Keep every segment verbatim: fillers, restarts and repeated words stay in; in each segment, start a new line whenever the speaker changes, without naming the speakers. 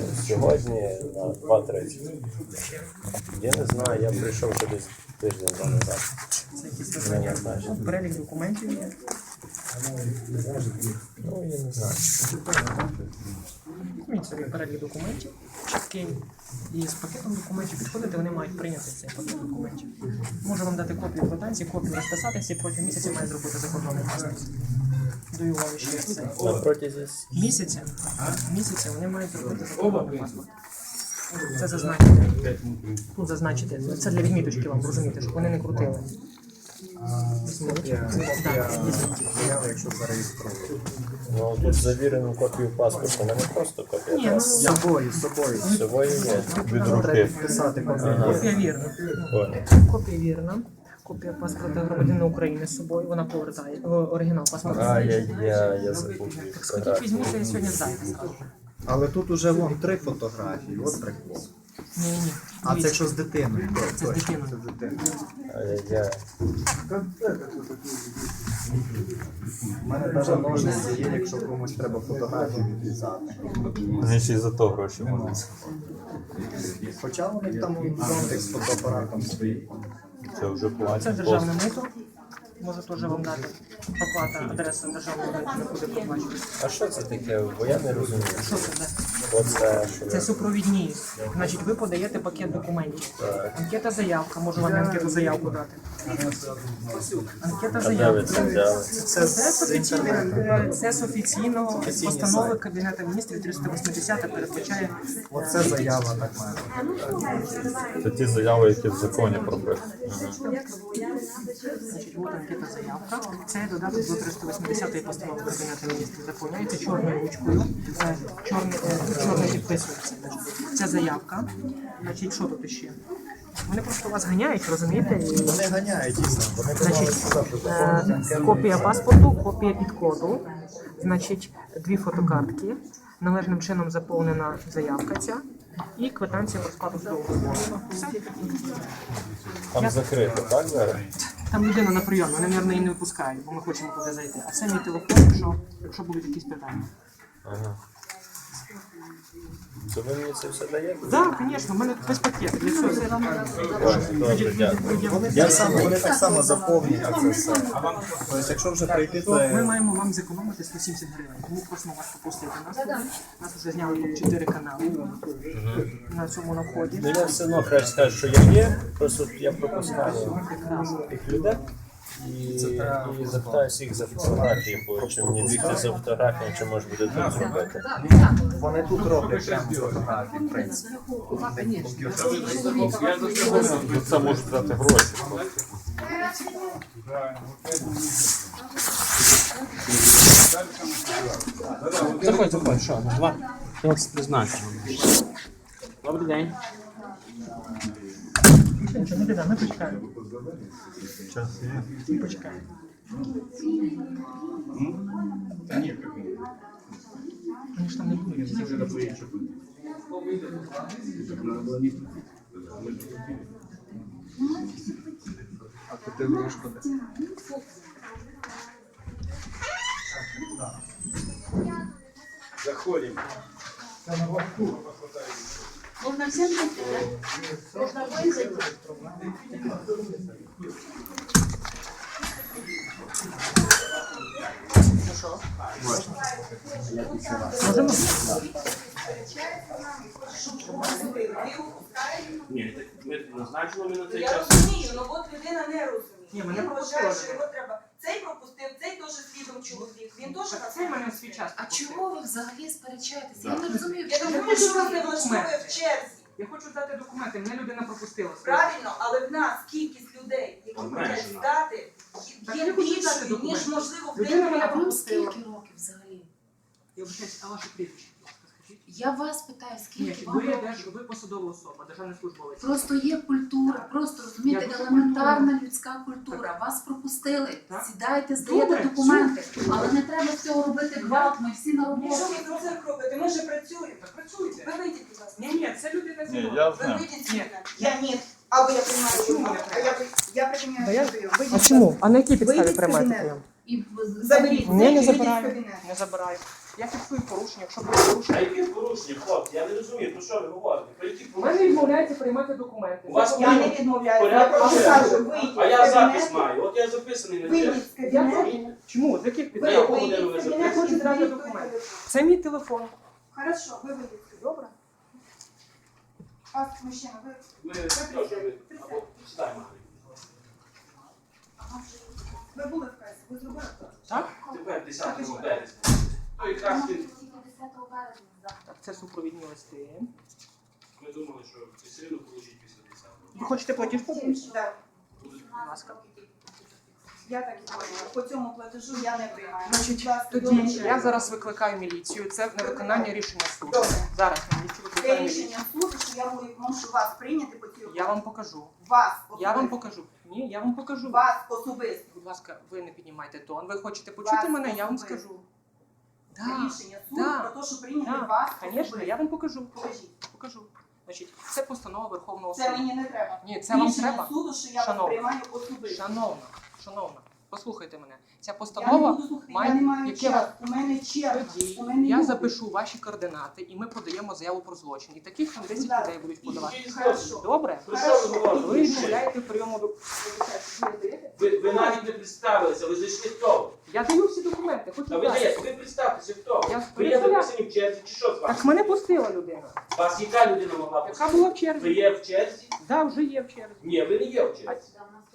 сьогодні на два тридцять. Я не знаю, я прийшов ще десь тиждень два назад.
Це якісь визнання. Перелік документів є.
Ну, я не знаю.
Візьміть собі перелік документів, чіткий. І з пакетом документів підходити, вони мають прийняти цей пакет документів. Можу вам дати копію квитанції, копію розписатися і протягом місяця має зробити закордонний паспорт. Даю вам ще це.
На протязі
Місяця, місяця вони мають зробити закордонний паспорт. Це зазначити. Ну, зазначити. Це для відміточки вам, розумієте, щоб вони не крутили.
Якщо зареєструють.
Ну, тут завірену копію паспорта, не просто копія.
Ні, ну,
З собою, з собою.
З собою є, від руки.
Писати копію.
копія вірна.
Ой.
Копія вірна. Копія паспорта громадянина України з собою, вона повертає. О, оригінал паспорта.
А, я, я, я забув.
Так сходіть, візьміть, я сьогодні зайду.
Але тут уже вон три фотографії, от прикол.
Ні, ні, ні.
А це якщо з дитиною.
Це з дитиною.
Це з дитиною.
Ай-яй-яй.
У мене навіть ножниці є, якщо комусь треба фотографію відрізати.
Вони ще й за то гроші можуть.
Хоча у них там зонтик з фотоапаратом стоїть.
Це вже
Це
платять.
державне мито. Можу теж вам дати оплата, адреса державного мита, не буде проплачувати.
А що це таке? Бо я не розумію.
Що це? де?
Оце, що
Це супровідні. Значить, ви подаєте пакет документів. Анкета заявка, можу вам анкету заявку дати. Анкета
А де ви
заявка.
це взяли?
Це з офіційного, це з офіційного постанови Кабінету міністрів триста вісімдесят передбачає.
Оце заява так має.
Це ті заяви, які в законі прописані.
Значить, от анкета заявка. Це додаток до триста вісімдесятої постанови Кабінету міністрів. Заповняється чорною ручкою. Е, Чорний, е, чорний підписується. Це заявка. Значить, що тут ще? Вони просто вас ганяють, розумієте? І,
Вони ганяють дійсно. Вони
значить,
казали, що
е, копія паспорту, копія підкоду, значить, дві фотокартки, належним чином заповнена заявка ця і квитанція про сплату судового збору. Все.
Там закрито, так, зараз?
Там людина на прийом, вони, мабуть, її не випускають, бо ми хочемо туди зайти. А це мій телефон, якщо, якщо будуть якісь питання.
Ага. То ви мені це все даєте?
Так, звісно, в мене весь пакет. Для цього.
Добре, дякую.
вони так само, вони так само заповнюють це все. Тобто, якщо вже прийти, то
Ми маємо вам зекономити сто сімдесят гривень. Тому просимо вас попустити нас туди. Нас вже зняли тут чотири канали на цьому наході.
Ну я все одно краще скажу, що я є, просто я пропускаю тих людей і, і запитаюся їх за фотографії, бо чи мені бігти за фотографією, чи може буде тут зробити.
вони тут роблять прямо фотографії, в принципі.
Це може дати гроші.
Заходь, заходь, що? Два. Я вас призначу. Добрий день.
Нічого не біда, ми почекаємо.
Час є.
Ми почекаємо. Вони ж там не будуть.
А категорішку де?
Заходим.
Можно всем зайти, да? Можно обоим зайти. Ну что?
Можемо?
Ні, ми назначили ми на цей
Я
час.
розумію, ну от людина не розуміє.
Ні, мене
Він
пропустили.
вважає, що його треба. Цей пропустив, цей теж слідом чоловік. Він теж на
Це в мене свій час.
А чого ви взагалі сперечаєтеся? Я не розумію,
Я
чому
думаю, що вас не влаштовує в черзі.
Я хочу дати документи, мене людина пропустила.
Правильно, але в нас кількість людей, які хочуть здати,
Так
є
я хочу дати
більшою,
документи.
ніж можливо в
Людина
день.
мене
вам
пропустила.
скільки років взагалі?
Я вибачаюсь, а ваше прізвище, будь ласка, скажіть?
Я вас питаю,
Ні,
скільки
ви,
вам років?
держ- ви посадова особа, державний службовець.
Просто є культура, просто розумієте,
Я дуже
елементарна людська культура. Вас пропустили.
Так.
Сідайте, здаєте
Добре,
документи. Але не треба з цього робити гвалт, ми всі на роботі.
Що ви про це робите? Ми ж працюємо.
Так працюйте.
Ви вийдіть, будь ласка.
Ні, ні, це людина зі мною.
я
Ви вийдіть з
Ні.
мене. Я ні. Або я приймаю
Чому
його,
не
а я, я приймаю
Та я-
свою.
А
Вийдіть.
чому? А на якій підставі
Вийдіть з
приймаєте
кабінету.
прийом?
І
Заберіть.
Ні, не
Вийдіть з
забираю.
кабінету.
Не забираю. Я фіксую порушення, якщо буде порушення.
А які порушення, хлопці? Я не розумію, про що ви говорите? Про які
У мене відмовляється приймати документи.
У вас
Я не
порядок?
відмовляюся, я
Порядок
просто
порядок.
кажу, вийдіть
А я
з
запис
кабінету,
маю, от я записаний на
вийдіть з
Я
кабінету.
Чому? З яких
На
підстав?
яку
Вийдіть
годину ви
з кабінету,
Я хочу
записані?
зрати
вийдіть
документи.
той
Це мій телефон.
Хорошо, ви вийдіть.
Добре.
Вас, мужчина, ви...
Ми запрошуємо, або сідаємо.
Ви були в касі, ви зробили так?
Так?
Тепер десятого березня. То якраз він-
Так, це супровідні листи.
ми думали, що ви все одно получить після десятого.
Ви хочете платіж подивитися?
Так.
Будь ласка.
Я так і поняла. По цьому платежу я не приймаю.
Значить,
Будь ласка,
тоді
долучайте.
я зараз викликаю міліцію. Це невиконання рішення суду.
Добре.
Зараз я міліцію
Це
викликаю міліцію.
рішення суду, що я можу вас прийняти по цій
Я вам покажу.
Вас
Я вам
особисто.
покажу. Ні, я вам покажу.
Вас особисто.
Будь ласка, ви не піднімайте тон. Ви хочете почути
Вас
мене, я вам
особисто.
скажу.
Це
Да,
рішення суду
да,
про те, що прийняти
да.
вас
Звісно,
особисто.
я вам покажу.
Покажіть.
Покажу. Значить, це постанова Верховного
Це
суду.
мені не треба.
Ні, це вам
Рішення
треба.
суду, що я
Шановна.
вас приймаю особисто.
Шановна, шановна, послухайте мене. Ця
Я не
постанова
буду слухати,
має-
я не маю
яке
часу. У мене черга.
тоді
У мене
я
люди.
запишу ваші координати і ми подаємо заяву про злочин. І таких там десять
Да.
людей будуть подавати.
Який
Хорошо.
злочин?
Добре?
Про що ви
Ви
говорите?
відмовляєте в прийому до.
Ви, ви навіть не представилися, ви зайшли хто?
Я даю всі документи, хочу
А ви
знати.
даєте, ви представтеся хто?
Я
Ви є
представляю.
записані в черзі чи що з вами?
Так мене пустила людина.
Вас яка людина могла
Яка
пустити?
була в
Ви
черзі?
є в черзі?
Да, вже є в черзі.
Ні, ви не є в черзі.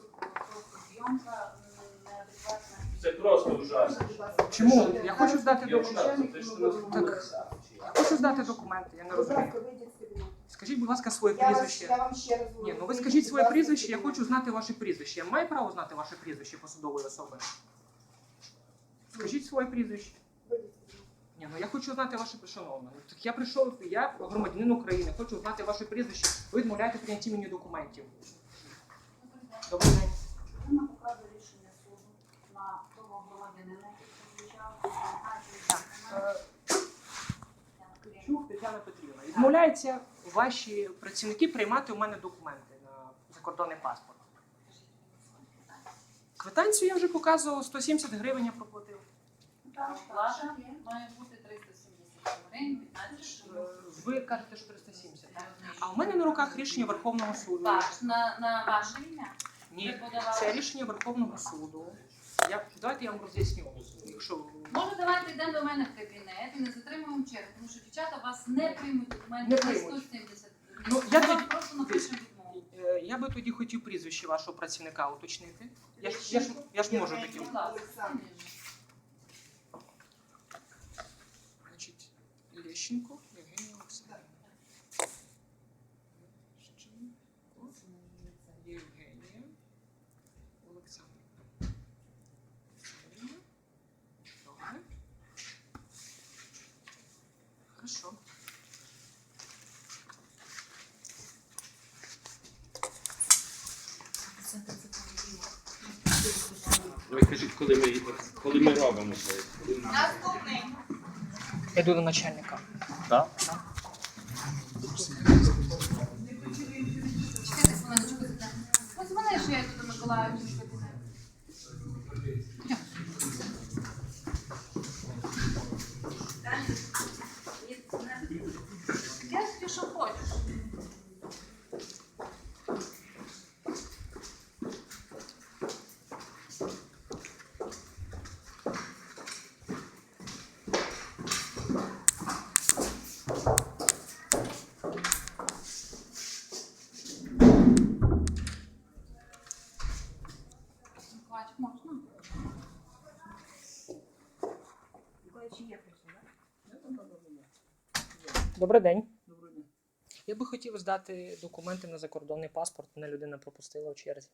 Це просто ужасно.
Чому? Я хочу здати
Я
документи.
ужасно. Це ж нас
Так. Я хочу здати документи, я не
Будь
розумію.
ласка, вийдіть з кабінету.
Скажіть, будь ласка, своє
Я, вас,
прізвище.
я вам ще раз говорю.
Ні, ну ви
Вийдіть,
скажіть
будь
своє
ласка, з
прізвище, я
кабінету.
хочу знати ваше прізвище. Я маю право знати ваше прізвище посадової особи? Скажіть своє прізвище.
Вийдіть з кабінету.
Ні, ну я хочу знати ваше шановне. Ну, так я прийшов, я громадянин України, хочу знати ваше прізвище. Ви відмовляєте в прийнятті мені документів. Добрий день.
Вона показує рішення суду на того громадянина, який
Е, Чух Тетяна Петрівна. Відмовляються ваші працівники приймати у мене документи на закордонний паспорт. Квитанцію я вже показував, сто сімдесят гривень я проплатив.
Плата має бути триста сімдесят гривень, п'ятнадцять
Е,
гривень.
Ви кажете, що триста сімдесят, так? А у мене на руках рішення Верховного суду.
Ваш, на, на ваше ім'я?
Ні,
Ви подавали?
це рішення Верховного суду. Я, давайте я вам роз'ясню. Якщо
Може, давайте йдемо до мене в кабінет і не затримуємо чергу, тому що дівчата вас не приймуть
Не
документи за
приймуть.
сто сімдесят гривень.
Ну, я
Ми вам
тоді-
просто напишемо відмову.
Е, я би тоді хотів прізвище вашого працівника уточнити. Я ж, я ж, я ж можу таке.
Будь ласка.
Олександр.
Значить, Лещенко Євгенія Олександрівна. Лещенко Євгенія Олександрівна. Добре. Хорошо.
Ви кажіть, коли ми, коли ми робимо це.
Наступний.
Я йду до начальника.
Так?
Чекайте хвилиночку. Ось мене, що я йду до Миколаївича в кабінет. Я собі що хочеш. Миколаївич, можна?
Добрий день. Я би хотів здати документи на закордонний паспорт. Мене людина пропустила в черзі.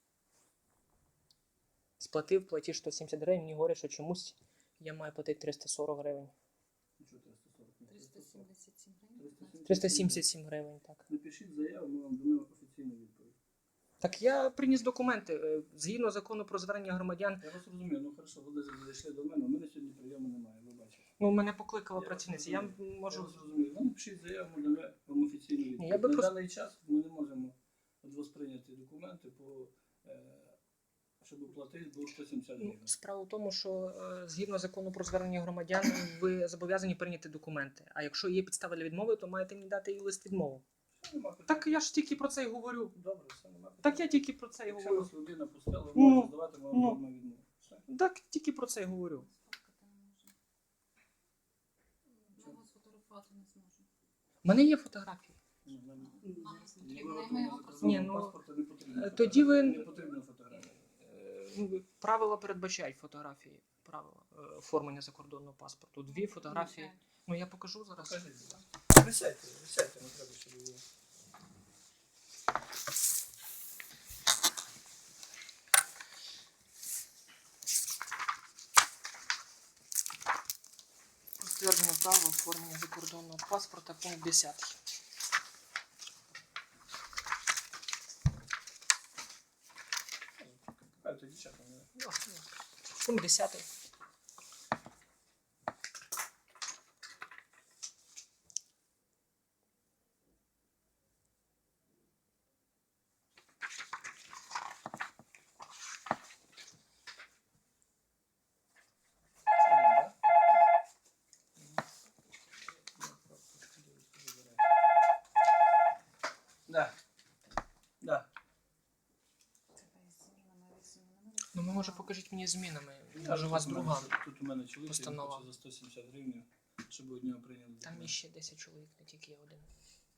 Сплатив платіж сто сімдесят гривень, мені говорять, що чомусь я маю платити триста сорок гривень.
триста сімдесят сім гривень.
триста сімдесят сім гривень, так.
Напишіть заяву, ми вам дамо офіційну відповідь.
Так я приніс документи. е, Згідно закону про звернення громадян,
Я вас розумію, ну хорошо, ви зайшли до мене, у мене сьогодні прийому немає, ви бачите.
ну мене покликала
Я
працівниця. Я
розумію. Я
можу.
вас розумію. Ви напишіть заяву, ми дамо вам офіційну відповідь.
я би
На
просто-
даний час ми не можемо від вас прийняти документи по е, щоб оплатити, було сто сімдесят гривень.
Справа в тому, що е, згідно закону про звернення громадян, ви зобов'язані прийняти документи. А якщо є підстави для відмови, то маєте мені дати і лист відмови.
Нема питань.
Так я ж тільки про це й говорю.
Добре, все, нема питань.
Так я тільки про це й
Якщо
говорю.
вас людина пустила, ви
Ну,
можете здавати, ми
ну.
вам ну. відмову. Все.
Так тільки про це й говорю.
Ми вас фотографувати не зможемо.
У мене є фотографії.
Ну, нам-
Нам не
Для
потрібно, і ми
виготовлення
його
закордонного
Ні, ну,
паспорта не потрібно
е, тоді ви-
фотографія. Не потрібно фотографія.
Е, ну, Правила передбачають фотографії, правила е, оформлення закордонного паспорту. Дві фотографії. Ну я покажу зараз.
Покажіть, будь ласка. Присядьте, присядьте, не треба, щоб було.
Підтвердження права оформлення закордонного паспорта, пункт десятий.
Покажете, дівчата, не-
Пункт десятий.
Да. Да.
Ну, ви, може, покажіть мені змінами.
Я
Може, у вас
тут у мене-
друга.
Тут у мене чоловік, він
постанова.
хоче за сто сімдесят гривень, щоб одного прийняли.
Там є ще десять чоловік, не тільки я один.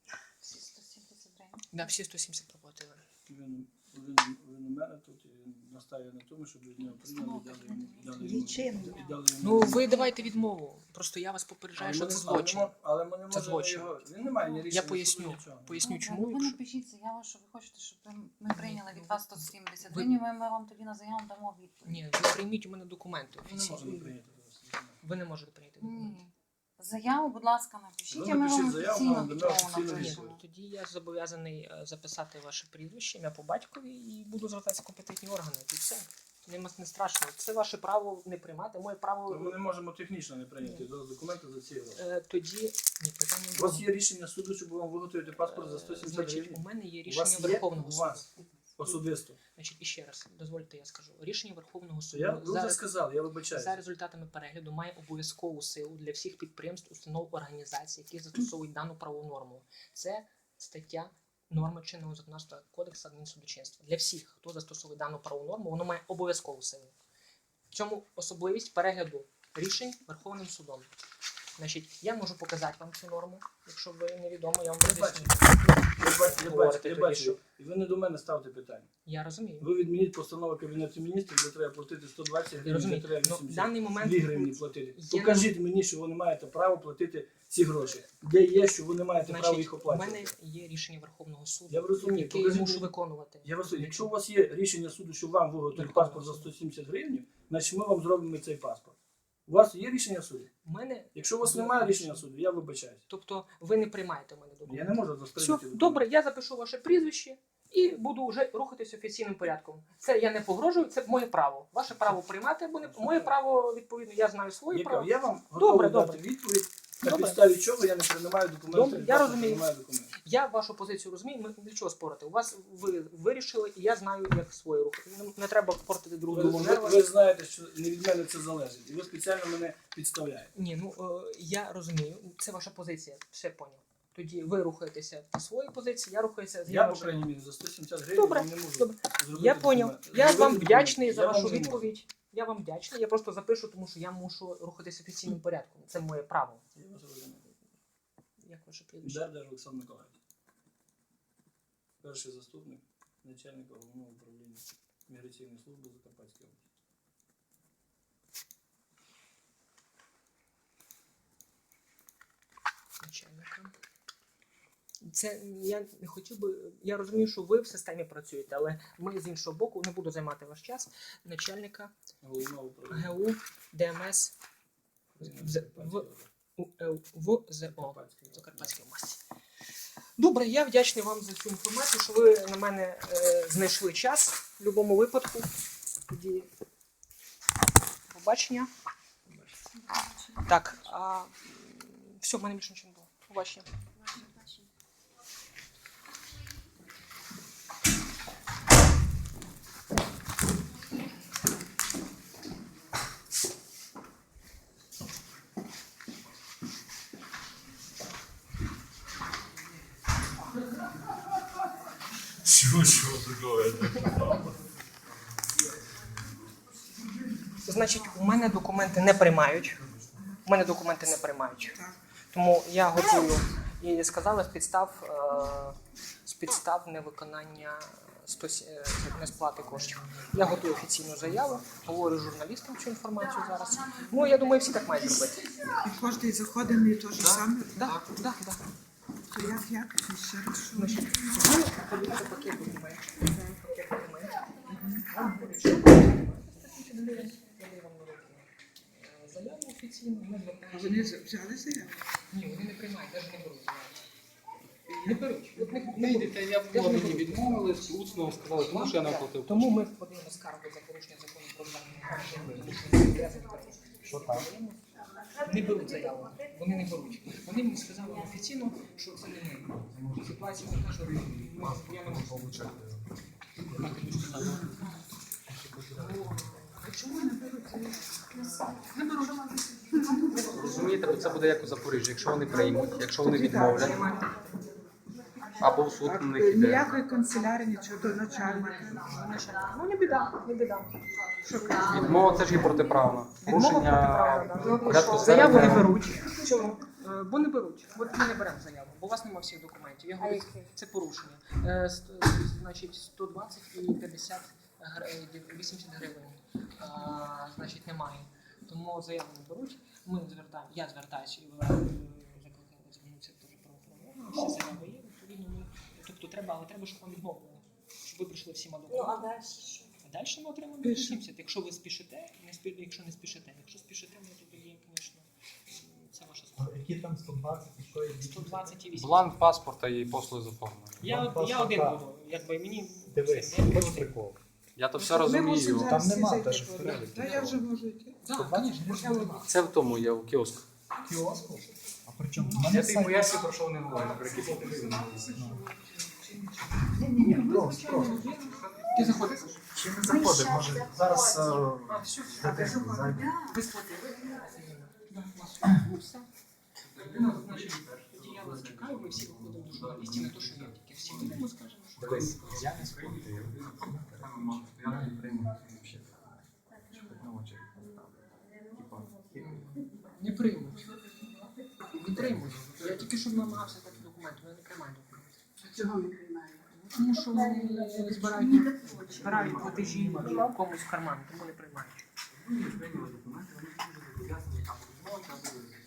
Всі сто сімдесят гривень.
Да, всі сто сімдесят проплатили.
Він, він, він у мене тут і настає на тому, щоб від нього прийняли і дали йому. І дали йому, і дали йому.
Ну, ви давайте відмову. Просто я вас попереджаю,
Але
що
ми
це
не-
злочин.
Але ми, але ми не
Це
можемо
злочин.
його. Він не має ні рішення.
Я
суду,
поясню.
нічого.
Поясню,
Добре,
чому.
ну, ви
якщо-
напишіть заяву, що ви хочете, щоб ви- ми прийняли від вас сто сімдесят
Ви-
гривень, ми ми вам тоді на заяву дамо відповідь.
Ні, ви прийміть у мене документи
Ми не можемо
офіційні.
прийняти зараз.
Ви не можете прийняти документи.
Ні. Заяву, будь ласка, напишіть,
Ви
і ми
напишіть
вам
заяву,
офіційно
нам дамо
відмову
офіційну
Ні,
напишемо.
тоді я зобов'язаний е, записати ваше прізвище, ім'я по батькові і буду звертатися в компетентні органи. І все. Нема не страшно. Це ваше право не приймати, моє право.
Ну, Ми не можемо технічно не прийняти документи за ці гроші.
Е, тоді ні, питання
У вас є рішення суду, щоб вам виготовити паспорт за сто
Е,
сімдесят
Значить, у
гривень?
мене є
У вас
рішення
є?
Верховного
У
суду.
вас? Особисто.
Значить, і ще раз, дозвольте, я скажу. Рішення Верховного суду
Я ви
за,
вже сказав, я
за
вибачаюся.
результатами перегляду має обов'язкову силу для всіх підприємств, установ, організацій, які застосовують дану правову норму. Це стаття норми чинного законодавства Кодексу адмінсудочинства. Для всіх, хто застосовує дану правову норму, воно має обов'язкову силу. В цьому особливість перегляду рішень Верховним судом. Значить, я можу показати вам цю норму, якщо ви невідомо, я вам
Я
роз'ясню.
бачу, я бачу, я
Говорите
бачу, я
тоді,
бачу.
що-
І ви не до мене ставте питання.
Я розумію.
Ви відмініть постанову Кабінету міністрів, де треба платити сто двадцять
Я
гривень, де
розумію.
треба
Ну, в
вісімдесят
даний момент
дві гривні платити.
є
Покажіть мені, що ви не маєте права платити ці гроші. Де є, що ви не маєте права
Значить,
їх
у
оплачувати.
мене є рішення Верховного суду,
Я розумію,
яке я
покажіть
мушу
мені.
виконувати.
Я вас, якщо у вас є рішення суду, що вам виготовити
Верховного
паспорт за
суду.
сто сімдесят гривень, значить ми вам зробимо цей паспорт. У вас є рішення суду?
У мене,
Якщо у вас немає рішення суду, я вибачаюсь.
тобто, ви не приймаєте в мене
Я
документи.
не можу
Все,
заставити.
добре, я запишу ваше прізвище і буду вже рухатись офіційним порядком. Це я не погрожую, це моє право. Ваше право приймати або не моє право, відповідно, я знаю своє
Я,
право.
кажу, я вам
Добре,
готовий
добре.
дати відповідь, на
Добре.
підставі чого я не приймаю документи.
Добре,
від
я
вас не
розумію.
приймаю документи.
Я вашу позицію розумію, ми для чого спорити. У вас ви вирішили, і я знаю, як своє рухати. Не, не треба портити друг
Ви,
другу
ви,
нерви.
ви знаєте, що не від мене це залежить. І ви спеціально мене підставляєте.
Ні, ну е, я розумію, це ваша позиція, все поняв. Тоді ви рухаєтеся по своїй позиції, я рухаюся з
Я, по
вашою.
крайній мірі, за сто сімдесят гривень
Добре,
не можу
добре.
зробити.
Я поняв.
документи.
Я
Зробити
вам
документи.
вдячний за
Я
вашу
вам не можу.
відповідь. Я вам вдячний. Я просто запишу, тому що я мушу рухатися офіційним порядком. Це моє право.
Я вас розумію.
Як ваше прізвище?
Дердер Олександр Миколаївич. Перший заступник начальника головного управління міграційної служби Закарпатської області.
Начальника. Це я не хотів би. Я розумію, що ви в системі працюєте, але ми з іншого боку не буду займати ваш час. Начальника
Головного управління.
ГУ ДМС з- в УЛ ВЗО
Закарпатської
Закарпатської області. Добре, я вдячний вам за цю інформацію, що ви на мене е, знайшли час в будь-якому випадку. Тоді побачення. Так, а все, в мене більше нічого не було. Побачення. Значить, у мене документи не приймають. У мене документи не приймають. Тому я готую. І сказали з підстав, е, з підстав невиконання сто сі- е, несплати коштів. Я готую офіційну заяву, говорю журналістам цю інформацію зараз. Ну, я думаю, всі так мають робити.
І кожен заходений те ж саме.
Так, так, так.
То як, як? Ще раз, що?
Значить, ви подивіться пакет документів. Пакет документів. Заяву офіційну, ми
А
звертаємося.
вони з- взяли заяву?
Ні, вони не приймають, навіть не беруть заяву. Не беруть. От не,
Не
не беруть.
йдете, я
Я ж не
мені
беру.
відмовили, усно сказали, тому що я не оплатив.
Тому ми подаємо скаргу за порушення закону про звернення.
Що там?
Не беруть заяву. Вони не беруть. Вони мені сказали офіційно, що це не ми. Ситуація така, що ми- я не можу отримати. Так і сказали.
Чому не беруть заяву?
Не беруть.
Розумієте, це буде як у Запоріжжі. Якщо вони приймуть, якщо вони відмовлять, або в суд на них іде.
Ніякої канцелярії, нічого до начальника.
Ну не біда, не біда.
Відмова це ж є протиправна.
Відмова
Порушення
протиправна,
порядку
да. Заяву не
звернення.
беруть. Чому? Е, Бо не беруть. От ми не беремо заяву, бо у вас немає всіх документів. Я говорю, це порушення. Е, ст- Значить, сто двадцять і п'ятдесят гр- е, вісімдесят гривень. А, Значить, немає. Тому заяву не беруть. Ми звертаємо, я звертаюся і ви закликали звернутися теж правоохоронні. Всі заяви є, відповідно ми. Тобто треба, але треба, щоб вам відмовили. Щоб ви прийшли всіма документами. А далі ми отримаємо вісімдесят. Якщо ви спішите, не спі... якщо не спішите. Якщо спішите, ну тоді є, звісно, це ваша справа.
Які там сто двадцять і що є?
сто двадцять і вісімдесят.
Бланк паспорта і послуги з оформлення.
Я,
Бланк
я один
паспорта.
буду, якби мені...
Дивись,
все, я
хоч
один.
прикол.
Я то все
Ми
розумію.
мусимо зараз
Там
всі
нема
зайти.
теж в переліку.
Та я вже можу йти.
Так, звісно, я один.
Це в тому є у кіоску.
Кіоску? А при чому?
Я
Мене
тобі
сайт-
поясню, про що вони говорять, про які послуги.
Ні, просто, просто.
Ти заходиш?
Чи не заходить? Може, зараз е, дитинку зайде.
Ви сплатили? Ну, все. Ну, значить, тоді я вас чекаю, ми всі виходимо до журналістів, не то, що я тільки всі вийдемо, скажемо. що-
Дивись, я не сплатив. Я не прийму взагалі. На очі поставлю. Типа,
Не приймуть. Не приймуть. Я тільки що намагався такі документи, вони не приймають документи.
Чого не приймають?
Тому що вони збирають, збирають платежі комусь в карман, тому не приймають.